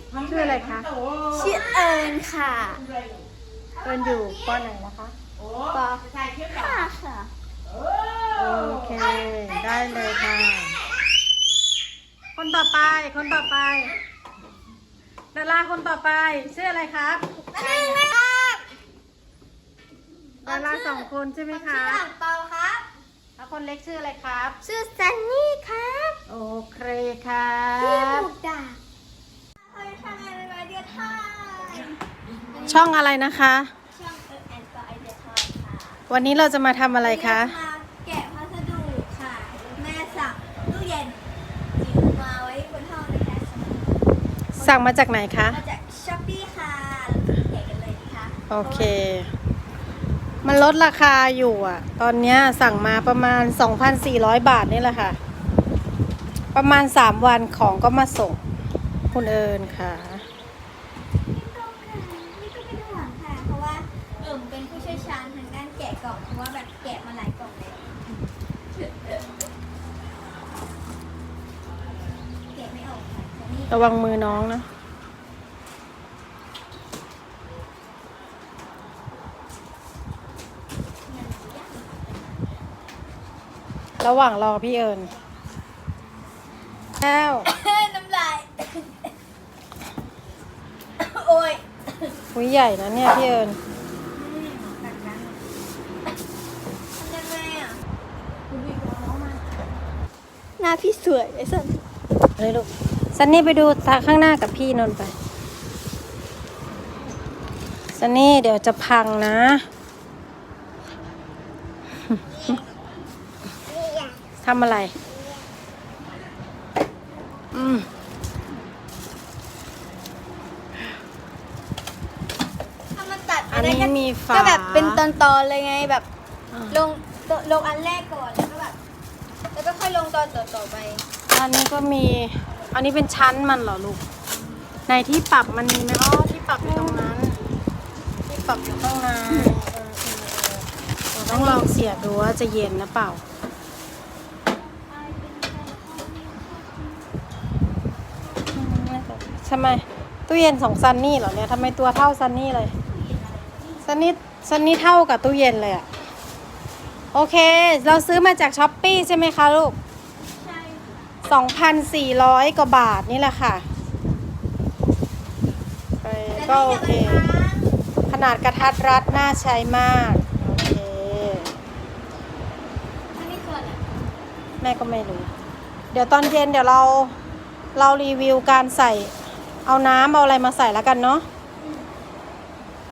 ชื่ออะไรคะชื่อเอิญค่ะเอิญอยู่ปไหนนะคะปห้าค่ะโอเค ได้เลยค่ะ คนต่อไป คนต่อไป ดาราคนต่อไป ชื่ออะไรครับ ดาราสองคนใช่ไหมคะชื่ออ่างเปาครับแล้วคนเล็กชื่ออะไรครับชื่อซันนี่ครับโอเคครับชื่อหมูด่าเฮ้ยทำไมเป็นไอเดียทายช่องอะไรนะคะช่องแอนก็ไอเดียทายค่ะวันนี้เราจะมาทำอะไรคะมาแกะพัสดุค่ะ แม่สั่งตู้เย็นจิ๋วมาไว้บนห้องนะคะสั่งมาจากไหนคะมาจากช้อปปี้ค่ะแกะกันเลยนะคะโอเค มันลดราคาอยู่อ่ะ ตอนเนี้ยสั่งมาประมาณ 2,400 บาทนี่แหละค่ะ ประมาณ3วันของก็มาส่ง คุณเอิญค่ะนี่ก็เป็นห่วงค่ะ เพราะว่าเป็นผู้เชี่ยวชาญทางด้านแกะกล่องเพราะว่าแบบแกะมาหลายกล่องเลยแกะไม่ออกค่ะแต่นี่ระวังมือน้องนะ ระหว่างรอพี่เอิญแล้วน้ำลาย โอ้ยหุยใหญ่นะเนี่ยพี่เอิญตัดกันทำยังไงอ่ะหน้าพี่สวยไอ้สันเลยลูกซันนี่ไปดูทางข้างหน้ากับพี่นนท์ไปซันนี่เดี๋ยวจะพังนะ ทำอะไรถ้ามันตัดอันนี้มีฝาก็แบบเป็นตอนๆเลยไงแบบอ่าลงอันแรกก่อนแล้วก็แบบแล้วก็ค่อยลงตอนต่อไปอันนี้ก็มี อันนี้เป็นชั้นมันเหรอลูก ในที่ปรับมันมีไหมอ๋อที่ปรับอยู่ตรงนั้น ที่ปรับอยู่ข้างในเราต้องลองเสียบดูว่าจะเย็นหรือเปล่า ทำไมตู้เย็นของซันนี่เหรอเนี่ยทำไมตัวเท่าซันนี่เลยซันนี่เท่ากับตู้เย็นเลยอะโอเค เราซื้อมาจากช้อปปี้ใช่ไหมคะลูกใช่ 2,400 กว่าบาทนี่แหละค่ะก็โอเค ขนาดกระทัดรัดน่าใช้มาก โอเคอันนี้คืออะไรแม่ก็ไม่รู้ เดี๋ยวตอนเย็นเดี๋ยวเรารีวิวการใส่ เอาน้ำเอาอะไรมาใส่แล้วกันเนาะ